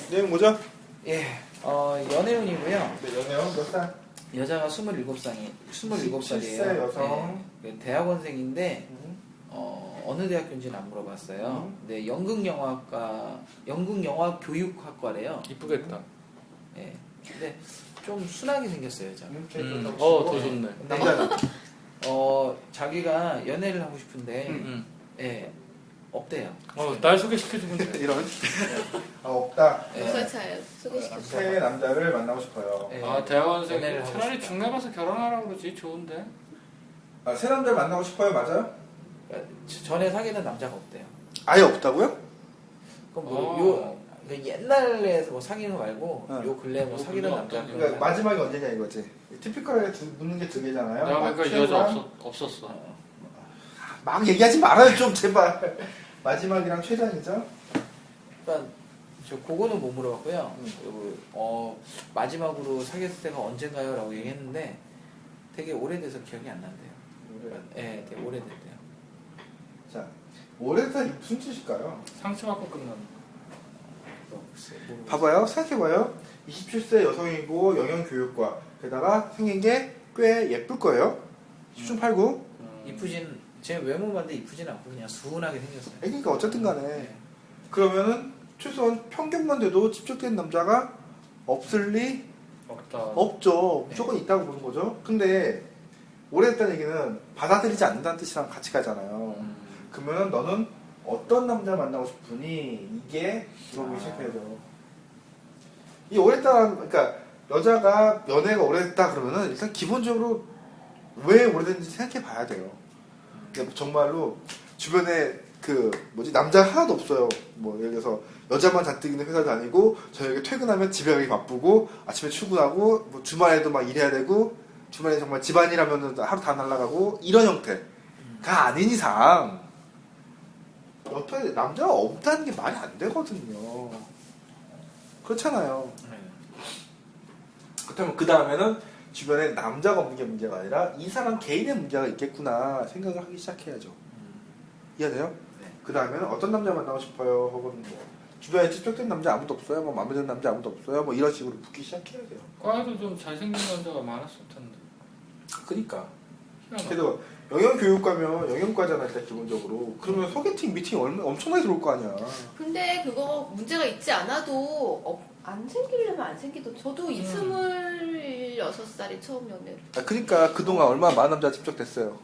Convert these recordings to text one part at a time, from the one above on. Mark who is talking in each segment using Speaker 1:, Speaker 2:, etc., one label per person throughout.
Speaker 1: 내용 뭐죠?
Speaker 2: 예, 연애운이고요.
Speaker 1: 네, 연애운 몇 살?
Speaker 2: 여자가 27살이에요.
Speaker 1: 17세 여성.
Speaker 2: 네, 대학원생인데 어느 대학교인지는 안 물어봤어요. 네, 연극영화 교육학과래요.
Speaker 3: 이쁘겠다.
Speaker 2: 예, 근데 좀 순하게 생겼어요, 여자.
Speaker 3: 더 좋네.
Speaker 1: 남자는?
Speaker 2: 자기가 연애를 하고 싶은데 예, 없대요.
Speaker 3: 날 소개시켜주면 돼.
Speaker 1: 이런. 없다.
Speaker 4: 무설차예요. 소개시켰어요.
Speaker 1: 새 남자를 만나고 싶어요.
Speaker 2: 예,
Speaker 3: 대학원생
Speaker 2: 연애를 하고
Speaker 3: 차라리
Speaker 2: 싶다.
Speaker 3: 중매 가서 결혼하라고 그러지. 좋은데.
Speaker 1: 새 남자를 만나고 싶어요, 맞아요?
Speaker 2: 그러니까 전에 사귀는 남자가 없대요.
Speaker 1: 아예 없다고요?
Speaker 2: 그럼 요 옛날에 뭐 사귀는 거 말고
Speaker 1: 어.
Speaker 2: 요 근래 뭐 사귀는 남자
Speaker 1: 그러니까 마지막이 언제냐 이거지. 티피컬하게 묻는 게 두 개잖아요.
Speaker 3: 내가 보니까 이 여자 없었어.
Speaker 1: 막 얘기하지 말아요 좀 제발. 마지막이랑 최장이죠?
Speaker 2: 그러니까 저 그거는 못 물어봤고요. 그리고 마지막으로 사귀었을 때가 언젠가요?라고 얘기했는데 되게 오래돼서 기억이 안 난대요. 예, 되게 오래됐대요.
Speaker 1: 자, 오래돼서 무슨 뜻일까요?
Speaker 3: 상처받고 끝나는.
Speaker 1: 봐봐요, 생각해봐요. 27세 여성이고 영양교육과 게다가 생긴 게 꽤 예쁠 거예요. 10중 8구.
Speaker 2: 이쁘진 제 외모 봤는데 이쁘진 않고 그냥 순하게 생겼어요.
Speaker 1: 그러니까 어쨌든 간에 그러면은 최소한 평균만 돼도 집적된 남자가 없을 리
Speaker 3: 없다.
Speaker 1: 없죠. 무조건 있다고 보는 거죠. 근데 오래됐다는 얘기는 받아들이지 않는다는 뜻이랑 같이 가잖아요. 그러면은 너는 어떤 남자 만나고 싶으니 이게 물어보기 시작해야죠. 이 오래됐다, 그러니까 여자가 연애가 오래됐다 그러면은 일단 기본적으로 왜 오래됐는지 생각해 봐야 돼요. 근데 정말로 주변에 남자가 하나도 없어요. 뭐 예를 들어서 여자만 잔뜩 있는 회사 다니고 저녁에 퇴근하면 집에 가기 바쁘고 아침에 출근하고 뭐 주말에도 막 일해야 되고 주말에 정말 집안일하면은 하루 다 날아가고 이런 형태가 아닌 이상 옆에 남자가 없다는 게 말이 안 되거든요. 그렇잖아요. 그렇다면 그 다음에는 주변에 남자가 없는 게 문제가 아니라 이 사람 개인의 문제가 있겠구나 생각을 하기 시작해야죠. 이해돼요?
Speaker 2: 네.
Speaker 1: 그 다음에는 어떤 남자 만나고 싶어요? 혹은 뭐 주변에 집적된 남자 아무도 없어요? 뭐 마음에 드는 남자 아무도 없어요? 뭐 이런 식으로 묻기 시작해야 돼요.
Speaker 3: 과에도 좀 잘생긴 남자가 많았을 텐데.
Speaker 1: 그러니까.
Speaker 3: 희한하다.
Speaker 1: 그래도 영양교육과면 영양과잖아 일단 기본적으로. 그러면 소개팅 미팅 엄청나게 들어올 거 아니야.
Speaker 4: 근데 그거 문제가 있지 않아도 안 생기려면 안 생기도. 저도 26살에 처음 연애를.
Speaker 1: 그러니까 그동안 얼마나 많은 남자가 집적됐어요.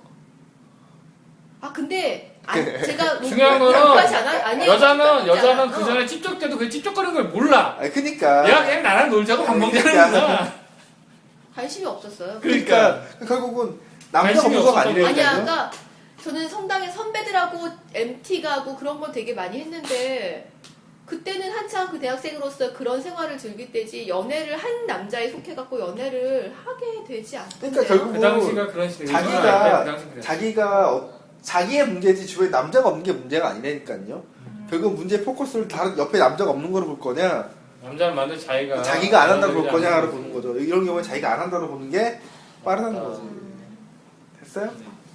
Speaker 4: 근데 제가
Speaker 3: 중요한 거는
Speaker 4: 아니에요.
Speaker 3: 여자는 그 전에 찝쩍 때도 그 찝쩍거리는 걸 몰라.
Speaker 1: 그러니까.
Speaker 3: 얘가 그냥 나랑 놀자고 밥 먹자는 거야.
Speaker 4: 관심이 없었어요.
Speaker 1: 그러니까 결국은 남자가
Speaker 3: 관심이
Speaker 1: 없어서가
Speaker 3: 없었던
Speaker 1: 아니라니까요.
Speaker 4: 아니야, 그러니까 저는 성당에 선배들하고 MT 가고 그런 건 되게 많이 했는데 그때는 한창 그 대학생으로서 그런 생활을 즐길 때지 연애를 한 남자에 속해갖고 연애를 하게 되지 않던데요.
Speaker 1: 그러니까 결국은
Speaker 3: 그 당시가 그런 시대.
Speaker 1: 자기가 자기의 문제지 주변에 남자가 없는 게 문제가 아니라니까요. 결국 문제의 포커스를 다른 옆에 남자가 없는 거로 볼 거냐,
Speaker 3: 남자를 만든
Speaker 1: 자기가 안 한다고 볼 거냐로 보는 거죠. 이런 경우에 자기가 안 한다고 보는 게 빠르다는 거지. 됐어요?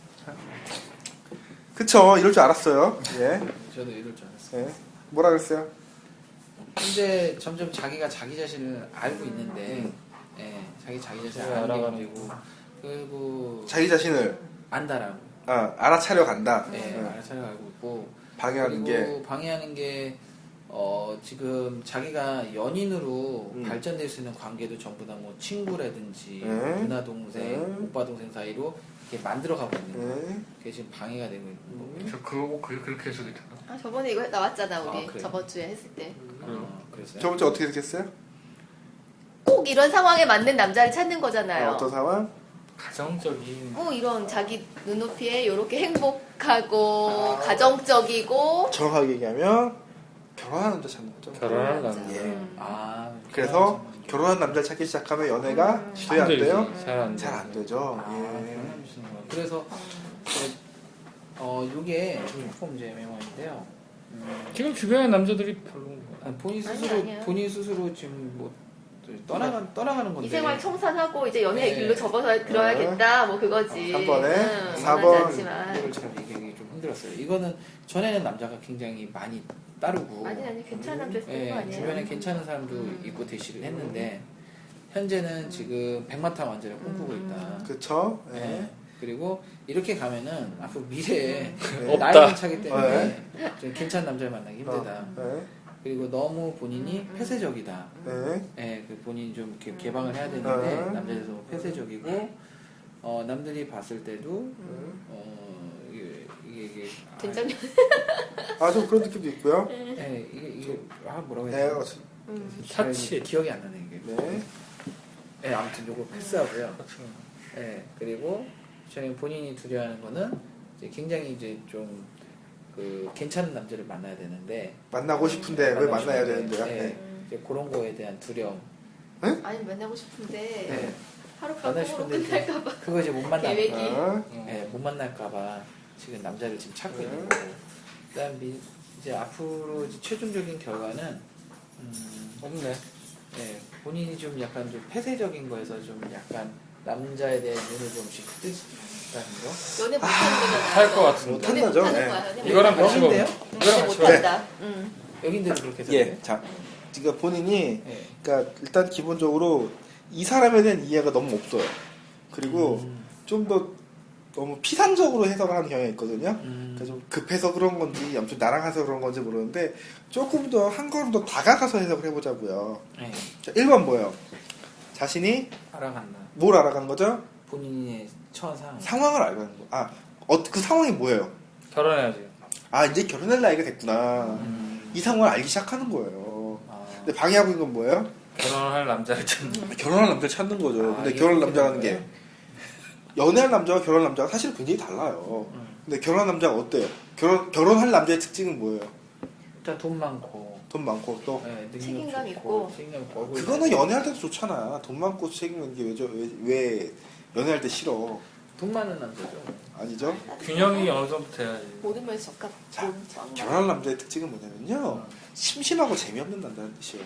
Speaker 1: 그쵸, 이럴 줄 알았어요. 예.
Speaker 2: 저도 이럴 줄 알았어요.
Speaker 1: 예. 뭐라 그랬어요?
Speaker 2: 근데 점점 자기가 자기 자신을 알고 있는데, 예, 자기 자신을 알아가는 문제고, 그리고
Speaker 1: 자기 자신을
Speaker 2: 안다라고.
Speaker 1: 알아차려 간다.
Speaker 2: 예, 알아차려 알고 있고,
Speaker 1: 방해하는 게.
Speaker 2: 그리고 방해하는 게 지금 자기가 연인으로 발전될 수 있는 관계도 전부 다 뭐 친구라든지 누나 동생, 오빠 동생 사이로 이렇게 만들어가고 있는 거. 그게 지금 방해가 되고 있는 거고요.
Speaker 3: 그게 그렇게 해석이 되나?
Speaker 4: 저번에 이거 나왔잖아 우리.
Speaker 2: 그래요?
Speaker 4: 저번 주에 했을 때.
Speaker 2: 그랬어요?
Speaker 1: 저번 주 어떻게 생겼어요?
Speaker 4: 꼭 이런 상황에 맞는 남자를 찾는 거잖아요.
Speaker 1: 어떤 상황?
Speaker 3: 가정적인.
Speaker 4: 이런 자기 눈높이에 이렇게 행복하고 가정적이고
Speaker 1: 정확하게 얘기하면 결혼하는 남자 찾는 거죠.
Speaker 3: 결혼하는 남자.
Speaker 1: 예. 그래서 결혼한 남자를 찾기 시작하면 연애가 돼야 안 돼요? 잘 안 되죠. 예.
Speaker 2: 그래서 요게 조금 이제 메모인데요.
Speaker 3: 지금 주변의 남자들이 별로.
Speaker 4: 아니야.
Speaker 2: 본인 스스로 지금 뭐 떠나가는 건데.
Speaker 4: 이 생활 청산하고 이제 연애의
Speaker 2: 네.
Speaker 4: 길로 접어서 들어야겠다 뭐 그거지.
Speaker 1: 3번에
Speaker 4: 원하지
Speaker 1: 4번
Speaker 4: 않지만.
Speaker 2: 이걸 잘 얘기하기 좀 힘들었어요. 이거는 전에는 남자가 굉장히 많이 따르고
Speaker 4: 아니 괜찮은 남자 있을
Speaker 2: 예,
Speaker 4: 거 아니에요.
Speaker 2: 주변에 괜찮은 사람도 있고 대시를 했는데 현재는 지금 백마탄 완전히 꿈꾸고 있다.
Speaker 1: 그쵸?
Speaker 2: 예.
Speaker 1: 네.
Speaker 2: 그리고 이렇게 가면은 앞으로 미래에
Speaker 1: 네.
Speaker 2: 나이는 차기 때문에 좀 괜찮은 남자를 만나기 힘들다.
Speaker 1: 네.
Speaker 2: 그리고 너무 본인이 폐쇄적이다.
Speaker 1: 네.
Speaker 2: 예, 그 본인이 좀 이렇게 개방을 해야 되는데
Speaker 1: 네.
Speaker 2: 남자에서 너무 폐쇄적이고 남들이 봤을 때도 이게
Speaker 4: 된장면.
Speaker 1: 좀 그런 느낌도 있고요.
Speaker 2: 이게 뭐라고
Speaker 1: 네.
Speaker 2: 해야 되나?
Speaker 3: 사치.
Speaker 2: 기억이 안 나네 이게.
Speaker 1: 네.
Speaker 2: 네, 아무튼 요거 패스하고요. 네, 그리고 저는 본인이 두려워하는 거는 이제 굉장히 이제 좀 그 괜찮은 남자를 만나야 되는데
Speaker 1: 만나고 싶은데 왜 만나야 되는데요?
Speaker 2: 네,
Speaker 1: 네.
Speaker 2: 이제 그런 거에 대한 두려움.
Speaker 4: 아니 만나고 싶은데
Speaker 2: 네.
Speaker 4: 하룻밤
Speaker 2: 만나고
Speaker 4: 꿈으로
Speaker 2: 싶은데
Speaker 4: 끝날까봐
Speaker 2: 그거 이제 못 만날까.
Speaker 4: 계획이.
Speaker 2: 네, 못 만날까봐 지금 남자를 지금 찾고 있는 거고. 그다음 이제 앞으로 이제 최종적인 결과는
Speaker 3: 없네.
Speaker 2: 네, 본인이 좀 약간 좀 폐쇄적인 거에서 좀 약간 남자에 대한 눈을 좀씩 뜨다는 거.
Speaker 4: 연애 못하는 거잖아.
Speaker 3: 할 것 같은데.
Speaker 4: 연애
Speaker 1: 못한다죠.
Speaker 4: 못하는
Speaker 1: 네.
Speaker 4: 거야. 연애
Speaker 3: 이거랑
Speaker 4: 못하는
Speaker 3: 같이
Speaker 2: 여긴데요?
Speaker 3: 먹으면.
Speaker 4: 거야. 연애 못한다.
Speaker 2: 여긴데도 그렇게 해서.
Speaker 1: 예. 자, 그러니까 본인이
Speaker 2: 네.
Speaker 1: 그러니까 일단 기본적으로 이 사람에 대한 이해가 너무 없어요. 그리고 좀 더 너무 피상적으로 해석을 하는 경향이 있거든요. 그러니까 좀 급해서 그런 건지, 아무튼 나랑 해서 그런 건지 모르는데 조금 더 한 걸음 더 다가가서 해석을 해보자고요.
Speaker 2: 네.
Speaker 1: 자, 1번 뭐예요? 자신이
Speaker 2: 알아간다.
Speaker 1: 뭘 알아가는 거죠?
Speaker 2: 본인의 처한 상황.
Speaker 1: 상황을 알아가는 거. 그 상황이 뭐예요?
Speaker 3: 결혼해야지.
Speaker 1: 이제 결혼할 나이가 됐구나. 이 상황을 알기 시작하는 거예요. 근데 방해하고 있는 건 뭐예요?
Speaker 3: 결혼할 남자를 찾는.
Speaker 1: 결혼할 남자를 찾는 거죠. 근데
Speaker 2: 이게
Speaker 1: 결혼할
Speaker 2: 그렇게
Speaker 1: 남자라는
Speaker 2: 되는
Speaker 1: 게 연애할 남자와 결혼할 남자가 사실 굉장히 달라요. 근데 결혼할 남자가 어때요? 결혼할 남자의 특징은 뭐예요?
Speaker 2: 일단 돈 많고,
Speaker 1: 돈 많고 또
Speaker 2: 네, 능력
Speaker 4: 책임감
Speaker 2: 좋고,
Speaker 4: 있고.
Speaker 2: 책임감 있고, 얼굴
Speaker 1: 그거는
Speaker 2: 잘-
Speaker 1: 연애할 때도 좋잖아. 돈 많고 책임 있는 게 왜 연애할 때 싫어?
Speaker 2: 돈 많은 남자죠.
Speaker 1: 아니죠?
Speaker 3: 균형이 어느 정도 돼야지.
Speaker 4: 모든 면에서 적합.
Speaker 1: 자, 결혼할 남자의 특징은 뭐냐면요. 심심하고 재미없는 남자는 뜻이에요.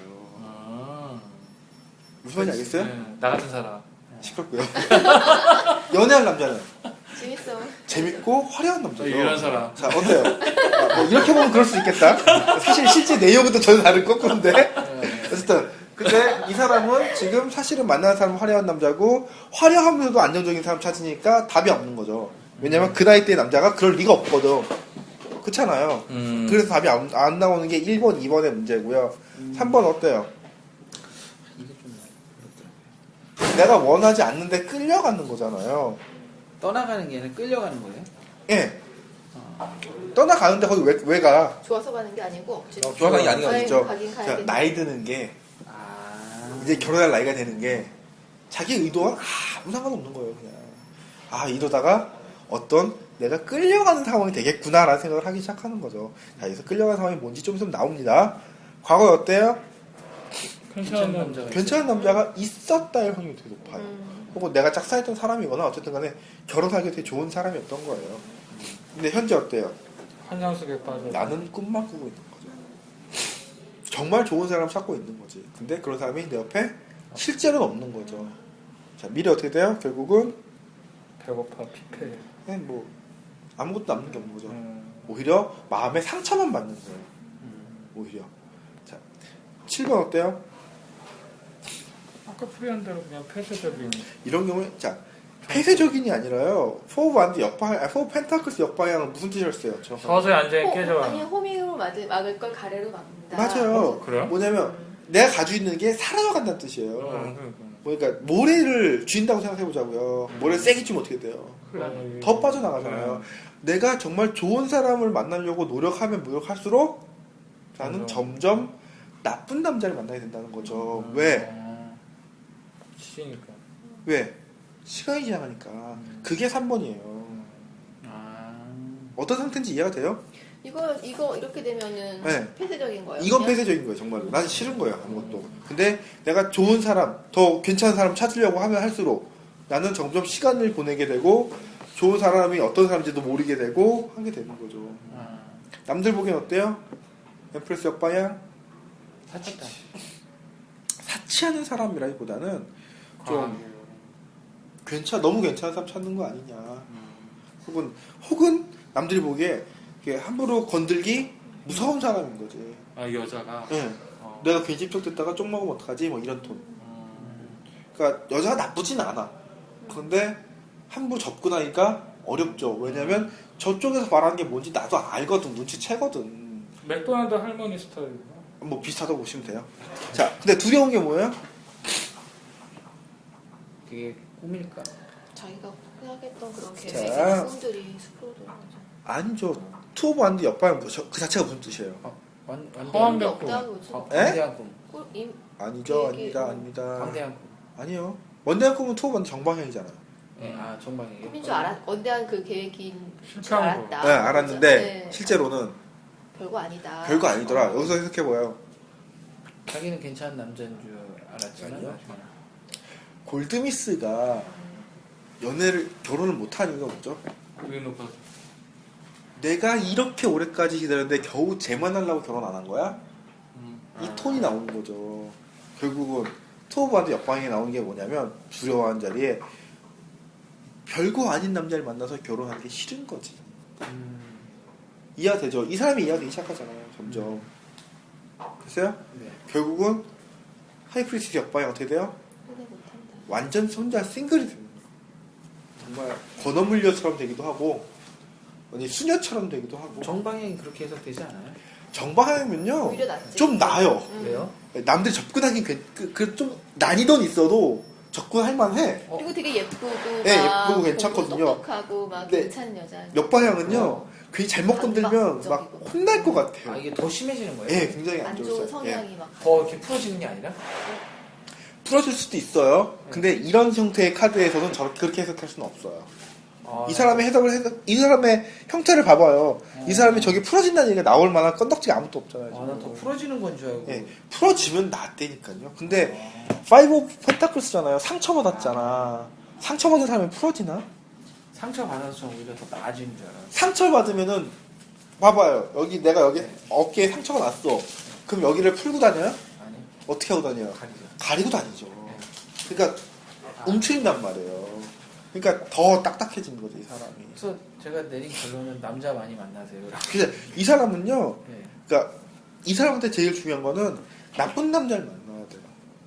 Speaker 1: 무슨 말인지 알겠어요?
Speaker 3: 네, 나 같은 사람.
Speaker 1: 시끄럽고요. 연애할 남자는
Speaker 4: 재밌어.
Speaker 1: 재밌고 화려한 남자죠.
Speaker 3: 이런 사람.
Speaker 1: 자, 어때요? 뭐 이렇게 보면 그럴 수 있겠다. 사실 실제 내용은 또 전혀 다를 거꾸로인데. 어쨌든. 근데 이 사람은 지금 사실은 만나는 사람은 화려한 남자고 화려하면서도 안정적인 사람 찾으니까 답이 없는 거죠. 왜냐면 그 나이 때 남자가 그럴 리가 없거든. 그렇잖아요. 그래서 답이 안 나오는 게 1번, 2번의 문제고요. 3번 어때요?
Speaker 2: 이게 좀 그렇더라고요.
Speaker 1: 내가 원하지 않는데 끌려가는 거잖아요.
Speaker 2: 떠나가는 게 아니라 끌려가는 거예요?
Speaker 1: 예. 떠나가는데 거기 왜 가?
Speaker 4: 좋아서 가는 게 아니고.
Speaker 1: 좋아서 가는 게 아닌 거 아니죠?
Speaker 4: 가긴
Speaker 1: 자,
Speaker 4: 가야겠네.
Speaker 1: 나이 드는 게
Speaker 2: 아,
Speaker 1: 이제 결혼할 나이가 되는 게 자기 의도와 아무 상관없는 거예요. 그냥 이러다가 어떤 내가 끌려가는 상황이 되겠구나라는 생각을 하기 시작하는 거죠. 자, 여기서 끌려가는 상황이 뭔지 좀 있으면 나옵니다. 과거에 어때요?
Speaker 3: 괜찮은 남자.
Speaker 1: 괜찮은 남자가 있었다의 확률이 되게 높아요. 혹은 내가 짝사했던 사람이거나 어쨌든 간에 결혼하기 되게 좋은 사람이었던 거예요. 근데 현재 어때요?
Speaker 3: 환상 속에 빠져.
Speaker 1: 나는 꿈만 꾸고 있는 거죠. 정말 좋은 사람 찾고 있는 거지. 근데 그런 사람이 내 옆에 실제로는 없는 거죠. 자, 미래 어떻게 돼요? 결국은
Speaker 3: 배고파 피폐.
Speaker 1: 그냥 뭐 아무것도 남는 게 없는 거죠. 오히려 마음에 상처만 받는 거예요. 오히려. 자, 7번 어때요?
Speaker 3: 아까 풀이한 대로 그냥 폐쇄적인.
Speaker 1: 이런 경우에 자, 폐쇄적인이 아니라요. 포 반드 역방, 포 펜타클스 역방향은 무슨 뜻이었어요? 정확하게?
Speaker 3: 서서히 앉아 깨져.
Speaker 4: 아니 호밍으로 막을 걸 가래로 막는다.
Speaker 1: 맞아요.
Speaker 3: 그래요?
Speaker 1: 뭐냐면 내가 가지고 있는 게 사라져간다는 뜻이에요. 그러니까 모래를 쥐인다고 생각해보자고요. 모래를 세게 쥐면 어떻게 돼요? 더 빠져나가잖아요. 내가 정말 좋은 사람을 만나려고 노력하면 노력할수록 나는 점점 나쁜 남자를 만나게 된다는 거죠. 왜?
Speaker 3: 치니까.
Speaker 1: 왜? 시간이 지나가니까. 그게 3번이에요. 어떤 상태인지 이해가 돼요?
Speaker 4: 이거 이렇게 되면은
Speaker 1: 네.
Speaker 4: 폐쇄적인 거예요.
Speaker 1: 이건
Speaker 4: 그냥?
Speaker 1: 폐쇄적인 거예요, 정말로. 난 싫은 거예요, 아무것도. 근데 내가 좋은 사람, 더 괜찮은 사람 찾으려고 하면 할수록 나는 점점 시간을 보내게 되고 좋은 사람이 어떤 사람인지도 모르게 되고 하게 되는 거죠. 남들 보기엔 어때요? 엠프레스 역방향?
Speaker 2: 사치다.
Speaker 1: 사치하는 사람이라기보다는 좀 너무 괜찮은 사람 찾는 거 아니냐. 혹은 남들이 보기에 이게 함부로 건들기 무서운 사람인 거지.
Speaker 3: 아 여자가.
Speaker 1: 네. 내가 괜히 집적됐다가 쪽 먹으면 어떡하지? 뭐 이런 톤. 그러니까 여자가 나쁘진 않아. 그런데 함부로 접근하기가 어렵죠. 왜냐면 저쪽에서 말하는 게 뭔지 나도 알거든. 눈치채거든.
Speaker 3: 맥도날드 할머니 스타일이구나.
Speaker 1: 뭐 비슷하다고 보시면 돼요. 자, 근데 두려운 게 뭐예요?
Speaker 2: 그게 꿈일까?
Speaker 4: 자기가 생각했던 그런
Speaker 1: 자.
Speaker 4: 계획이나 꿈들이 숲으로 돌아가죠.
Speaker 1: 아니죠. 투 오브 완드 옆방향 그 자체가 무슨 뜻이에요?
Speaker 3: 허황된
Speaker 4: 없다 그거죠.
Speaker 2: 광대한 꿈.
Speaker 1: 아니죠.
Speaker 4: 계획이-
Speaker 1: 아닙니다.
Speaker 2: 광대한 꿈.
Speaker 1: 아니요. 원대한 꿈은 투 오브 완드 정방향이잖아요.
Speaker 2: 네, 아 정방이에요.
Speaker 4: 꿈인 줄 알았, 원대한 그 계획인 줄
Speaker 3: 실패한 거.
Speaker 4: 알았다.
Speaker 1: 네, 알았는데
Speaker 4: 네.
Speaker 1: 실제로는
Speaker 4: 별거 아니다.
Speaker 1: 별거 아니더라. 여기서 해석해봐요.
Speaker 2: 자기는 괜찮은 남자인 줄 알았지만
Speaker 1: 아니요.
Speaker 2: 나중에.
Speaker 1: 골드미스가 결혼을 못한 이유가 뭐죠?
Speaker 3: 왜 높아서?
Speaker 1: 내가 이렇게 오래까지 기다렸는데 겨우 쟤만 하려고 결혼 안 한 거야? 이 톤이 나오는 거죠. 결국은 투 오브 완드 옆방에 나오는 게 뭐냐면 두려워하는 자리에 별거 아닌 남자를 만나서 결혼하는 게 싫은 거지. 이해가 되죠? 이 사람이 이해가 되기 시작하잖아요. 점점. 글쎄요?
Speaker 2: 네.
Speaker 1: 결국은 하이프리스트 옆방이 어떻게 돼요?
Speaker 4: 후회 못한다.
Speaker 1: 완전 혼자 싱글이 됩니다. 정말 건어물녀처럼 되기도 하고 아니 수녀처럼 되기도 하고
Speaker 2: 정방향이 그렇게 해석되지 않아요?
Speaker 1: 정방향이면요
Speaker 4: 오히려 낫지.
Speaker 1: 좀 나아요.
Speaker 2: 왜요?
Speaker 1: 남들이 접근하긴 좀 난이도는 있어도 접근할 만해.
Speaker 4: 그리고 되게 예쁘고
Speaker 1: 네,
Speaker 4: 막
Speaker 1: 예쁘고 괜찮거든요.
Speaker 4: 똑똑하고 막
Speaker 1: 네.
Speaker 4: 괜찮은 여자.
Speaker 1: 옆방향은요 괜히 잘못 건들면 막
Speaker 4: 반박적이고.
Speaker 1: 혼날 것 같아요.
Speaker 2: 아 이게 더 심해지는 거예요?
Speaker 1: 예, 굉장히 안
Speaker 4: 안 좋은
Speaker 1: 좋았어요. 예.
Speaker 4: 성향이 막.
Speaker 2: 더 이렇게 풀어지는 게 아니라?
Speaker 1: 풀어줄 수도 있어요. 근데 이런 형태의 카드에서는 저렇게 그렇게 해석할 수는 없어요.
Speaker 2: 아,
Speaker 1: 이 사람의 이 사람의 형태를 봐봐요. 이 사람이 저기 풀어진다는 얘기가 나올 만한 건덕지가 아무것도 없잖아요.
Speaker 2: 아, 난 더 풀어지는 건 줄 알고.
Speaker 1: 예, 풀어지면 낫다니까요. 근데 파이브 오브 펜타클스잖아요. 상처받았잖아. 상처받은 사람이 풀어지나?
Speaker 2: 상처 받아서 오히려 더 나아지는 줄 알아요.
Speaker 1: 상처받으면은 봐봐요. 내가 여기 어깨에 상처가 났어. 그럼 여기를 풀고 다녀요?
Speaker 2: 아니,
Speaker 1: 어떻게 하고 다녀요?
Speaker 2: 가리죠.
Speaker 1: 가리고 다니죠. 그러니까 움츠린단 말이에요. 그러니까 더 딱딱해지는 거죠, 이 사람이.
Speaker 2: 그래서 제가 내린 결론은 남자 많이 만나세요.
Speaker 1: 그래서 이 사람은요,
Speaker 2: 네.
Speaker 1: 그러니까 이 사람한테 제일 중요한 거는 나쁜 남자를 만나야 돼요.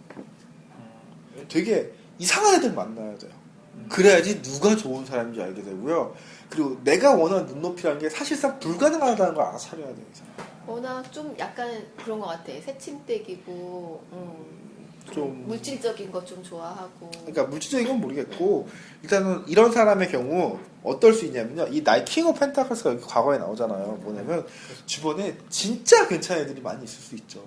Speaker 1: 되게 이상한 애들 만나야 돼요. 그래야지 누가 좋은 사람인지 알게 되고요. 그리고 내가 원하는 눈높이라는 게 사실상 불가능하다는 걸 알아차려야 돼요. 이 사람.
Speaker 4: 워낙 좀 약간 그런 것 같아. 새침대기고,
Speaker 1: 좀
Speaker 4: 물질적인 거 좀 좋아하고.
Speaker 1: 그러니까 물질적인 건 모르겠고 일단은 이런 사람의 경우 어떨 수 있냐면요. 이 나의 킹 오브 펜타클스가 여기 과거에 나오잖아요. 뭐냐면 주변에 진짜 괜찮은 애들이 많이 있을 수 있죠.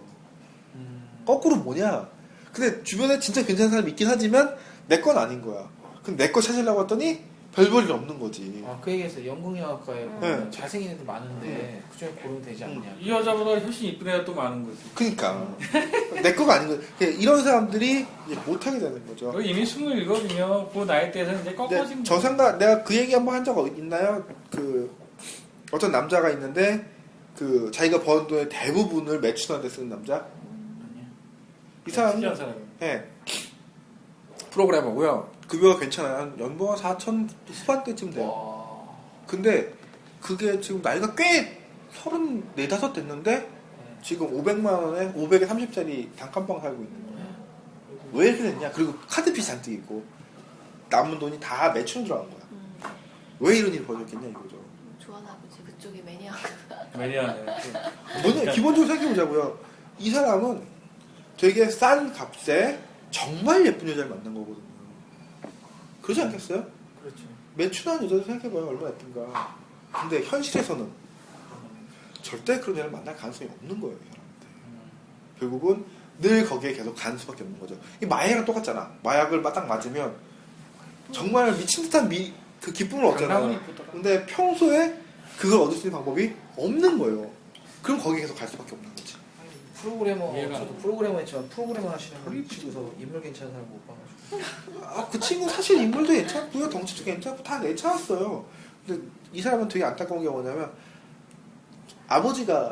Speaker 1: 거꾸로 뭐냐. 근데 주변에 진짜 괜찮은 사람이 있긴 하지만 내 건 아닌 거야. 근데 내 거 찾으려고 했더니 별 볼일 없는 거지.
Speaker 2: 아, 그 얘기했어요. 영국영화과에
Speaker 1: 네.
Speaker 2: 잘생긴 애들 많은데 그중에 고르면 되지 않냐.
Speaker 3: 이 여자보다 훨씬 이쁜 애가 또 많은 거지.
Speaker 1: 그러니까 내 거가 아닌 거야. 이런 사람들이 이제 못하게 되는 거죠.
Speaker 3: 너 이미 27이면 그 나이대에서는 이제 꺾어진
Speaker 1: 저 생각 내가 그 얘기 한번 한 적 있나요? 그 어떤 남자가 있는데 그 자기가 버는 돈의 대부분을 매춘한테 쓰는 남자. 이 사람은
Speaker 3: 특이한 사람이.
Speaker 1: 예 프로그래머고요. 급여가 괜찮아요. 한 연봉 한 4천 후반대쯤 돼요.
Speaker 2: 와.
Speaker 1: 근데 그게 지금 나이가 꽤 34, 5 됐는데 지금 500만 원에 500에 30짜리 단칸방 살고 있는 거예요. 왜 이렇게 됐냐? 그리고 카드비 잔뜩 있고 남은 돈이 다 매출 들어간 거야. 왜 이런 일이 벌어졌겠냐 이거죠.
Speaker 4: 좋아하나 보지. 그쪽이 매니아.
Speaker 3: 매니아네.
Speaker 1: 뭐냐 기본적으로 생각해보자고요. 이 사람은 되게 싼 값에 정말 예쁜 여자를 만난 거거든요. 그러지 않겠어요?
Speaker 2: 그렇죠.
Speaker 1: 매춘한 여자도 생각해봐요. 얼마나 예쁜가. 근데 현실에서는 절대 그런 여자를 만날 가능성이 없는 거예요. 이 사람한테. 결국은 늘 거기에 계속 가는 수밖에 없는 거죠. 이 마약이랑 똑같잖아. 마약을 딱 맞으면 정말 미친 듯한 그 기쁨을 얻잖아요. 근데 평소에 그걸 얻을 수 있는 방법이 없는 거예요. 그럼 거기에 계속 갈 수밖에 없는 거지.
Speaker 2: 프로그래머,
Speaker 3: 얘가-
Speaker 2: 저도 프로그래머 했지만 프로그래머 하시는 분 치고서 인물 괜찮은 사람 못 봐가지고.
Speaker 1: 그 친구 사실 인물도 괜찮고요. 덩치도 괜찮고 다 괜찮았어요. 근데 이 사람은 되게 안타까운 게 뭐냐면 아버지가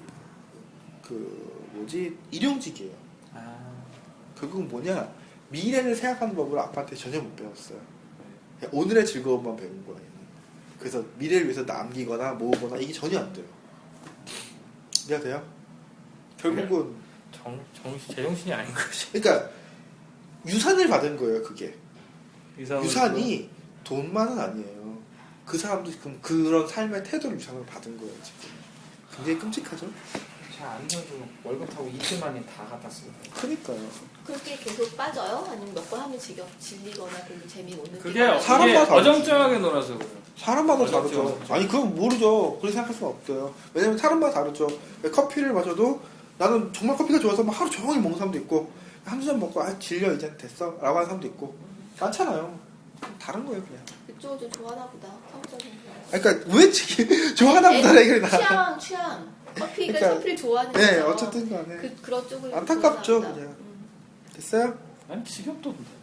Speaker 1: 일용직이에요.
Speaker 2: 아,
Speaker 1: 결국은 뭐냐 미래를 생각하는 법을 아빠한테 전혀 못 배웠어요. 그냥 오늘의 즐거움만 배운 거야. 얘는. 그래서 미래를 위해서 남기거나 모으거나 이게 전혀 안 돼요. 이해가 돼요? 결국은
Speaker 3: 제정신이 아닌 거지.
Speaker 1: 그러니까 유산을 받은 거예요. 그게
Speaker 3: 유산이
Speaker 1: 유산이 돈만은 아니에요. 그 사람도 지금 그런 삶의 태도를 유산으로 받은 거예요. 지금 굉장히 끔찍하죠.
Speaker 2: 잘 아니어도 월급 타고 이틀 만에 다 갖다 쓰고.
Speaker 1: 그러니까요.
Speaker 4: 그렇게 계속 빠져요? 아니면 몇 번 하면 질리거나 별로 재미 못 느끼고?
Speaker 3: 그게
Speaker 1: 사람마다 다르지.
Speaker 3: 어정쩡하게 놀아서 그래요.
Speaker 1: 사람마다
Speaker 3: 어렵죠,
Speaker 1: 다르죠.
Speaker 3: 어렵죠.
Speaker 1: 아니 그건 모르죠. 그렇게 생각할 수는 없어요. 왜냐면 사람마다 다르죠. 커피를 마셔도 나는 정말 커피가 좋아서 막 하루 종일 먹는 사람도 있고 한두 잔 먹고 질려 이제 됐어 라고 하는 사람도 있고 많잖아요. 다른 거예요 그냥.
Speaker 4: 그쪽을 좀 좋아하나 보다. 성적인 거.
Speaker 1: 그러니까 왜 좋아하나 보다 얘기를 나.
Speaker 4: 취향. 커피가
Speaker 1: 그러니까,
Speaker 4: 커피를 좋아하는
Speaker 1: 네
Speaker 4: 거죠.
Speaker 1: 어쨌든 간에
Speaker 4: 그런 쪽을
Speaker 1: 안타깝죠
Speaker 4: 좋아하나 보다.
Speaker 1: 그냥. 됐어요?
Speaker 3: 난 지겹던데.